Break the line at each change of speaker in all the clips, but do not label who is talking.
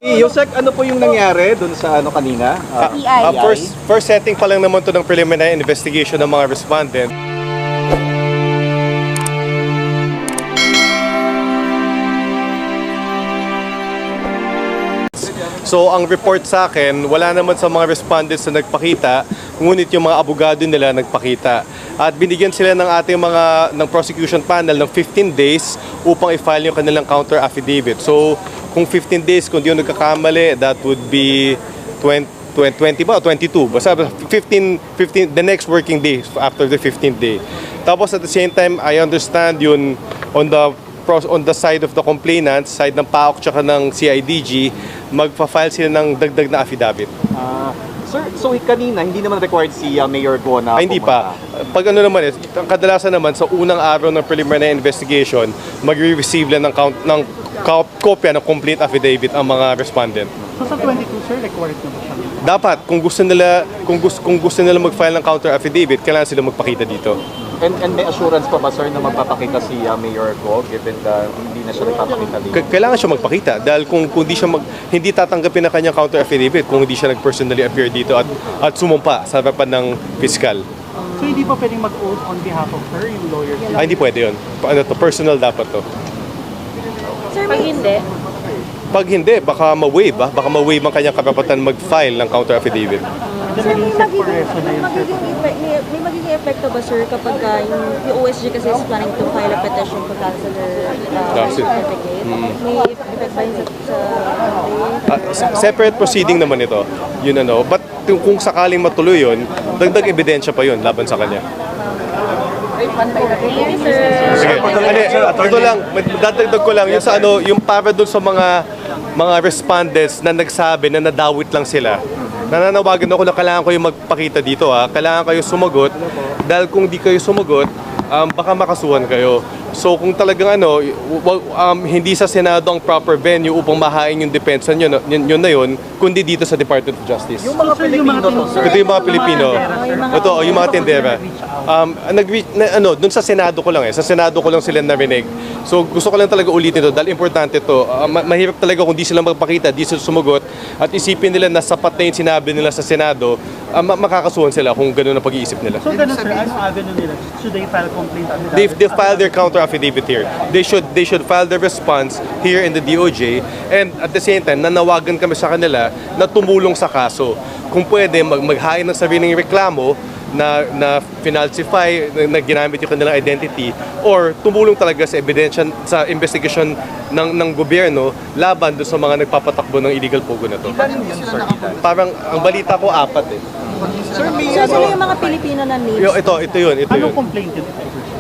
Yosek, ano po yung nangyari dun sa ano kanina?
PI.
First setting pa lang naman to ng preliminary investigation ng mga respondent. So ang report sa akin, wala naman sa mga respondents na nagpakita, ngunit yung mga abogado nila nagpakita. At binigyan sila ng ating ng prosecution panel ng 15 days upang i-file yung kanilang counter affidavit. So kung 15 days, kung di yung nagkakamali, that would be 20 ba o 22? Basta 15, the next working day after the 15th day. Tapos at the same time, I understand yun on the side of the complainant, side ng PAOK tsaka ng CIDG, magpa-file sila ng dagdag na affidavit.
Sir, so kanina, hindi naman required si Mayor Go na
Hindi pa. Pag ano naman, kadalasan naman sa unang araw ng preliminary investigation, mag-receive lang ng kopya ng complete affidavit ang mga respondent.
So sa 22, sir, required na ba siya?
Dapat, kung gusto nila mag-file ng counter affidavit, kailangan sila magpakita dito.
And may assurance pa ba, sir, na magpapakita si Mayor Go given na hindi na siya nagpapakita dito?
Kailangan siya magpakita dahil kung di siya hindi tatanggapin ang kanyang counter affidavit kung hindi siya nag-personally appear dito at sumumpa sa harapan ng piskal.
So hindi pa pwedeng mag-oath on behalf of her, yung lawyer?
Hindi pwede yun. Personal dapat to.
Sir, pag hindi?
Pag hindi, baka ma-waive ang kanyang karapatan mag-file ng counter affidavit.
Sir, may magiging epekto ba, sir, kapag yung OSG kasi is planning to file a petition to cancel her certificate? May effect ba yun sa
Separate proceeding naman ito. Yun ano. But kung sakaling matuloy yun, dagdag ebidensya pa yun laban sa kanya. Sige. Ito lang, dadagdag ko lang yung sa yung para doon sa mga respondents na nagsabi na nadawit lang sila. Nananawagan ako na kailangan kayo magpakita dito Kailangan kayo sumagot dahil kung di kayo sumagot, baka makasuhan kayo. So kung talagang hindi sa Senado ang proper venue upang mahain yung depensa yun na yun, kundi dito sa Department of Justice.
Yung mga Pilipino to, sir.
Ito yung mga Pilipino. Ito, yung mga tindera. Doon sa Senado ko lang Sa Senado ko lang sila narinig. So gusto ko lang talaga ulitin ito dahil importante ito. Mahirap talaga kung di sila magpakita, di sila sumagot at isipin nila na sapat na yung sinabi nila sa Senado, makakasuhan sila kung gano'n ang pag-iisip nila.
So ganun, sir, ano avenue nila? Should they file complaint?
They file their counter affidavit here. They should file their response here in the DOJ, and at the same time nanawagan kami sa kanila na tumulong sa kaso. Kung pwede maghain ng sariling reklamo na finalsify, na ginamit yung kanilang identity, or tumulong talaga sa ebidensya sa investigation ng gobyerno laban doon sa mga nagpapatakbo ng illegal pogo na to. Parang ang balita ko 4
Sir, may
So, sino yung mga Pilipino na names?
Ito yun.
Anong complaint yun?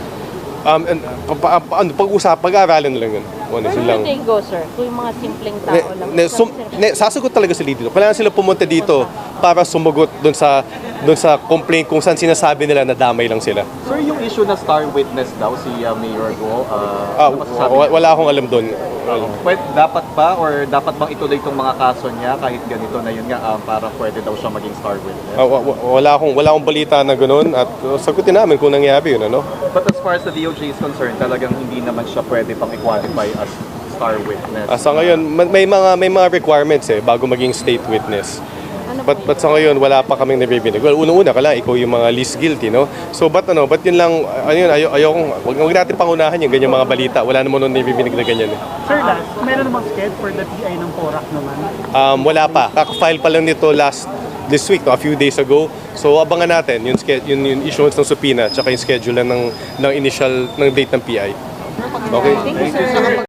Pag-aaralan na lang yun.
Where
Sila
do
lang.
they go, sir? Kung yung mga simpleng tao lang.
Sasagot talaga sila dito. Kailangan sila pumunta dito para sumagot doon sa complaint kung saan sinasabi nila na damay lang sila.
Sir, yung issue na star witness daw si Mayor Go, ano masasabi niyo?
Wala akong alam doon.
Dapat ba or dapat bang ituloy itong mga kaso niya kahit ganito na yun nga para pwede daw siya maging star witness?
Wala akong balita na ganoon at sagutin namin kung nangyari yun, ano?
But as far as the DOJ is concerned, talagang hindi naman siya pwede pang i-qualify as star witness.
Sa ngayon, may mga requirements bago maging state witness. But sa ngayon, wala pa kaming nabibinig. Well, unang-una ka lang, ikaw yung mga least guilty, no? So, but yun lang, wag natin pangunahan yung ganyang mga balita. Wala naman nung nabibinig na ganyan.
Sir, last, meron namang sked for the PI ng PORAC naman?
Wala pa. Kaka-file pa lang nito this week, a few days ago. So, abangan natin yung issuance ng subpoena, tsaka yung schedule ng initial ng date ng PI. Okay?
Thank you, sir.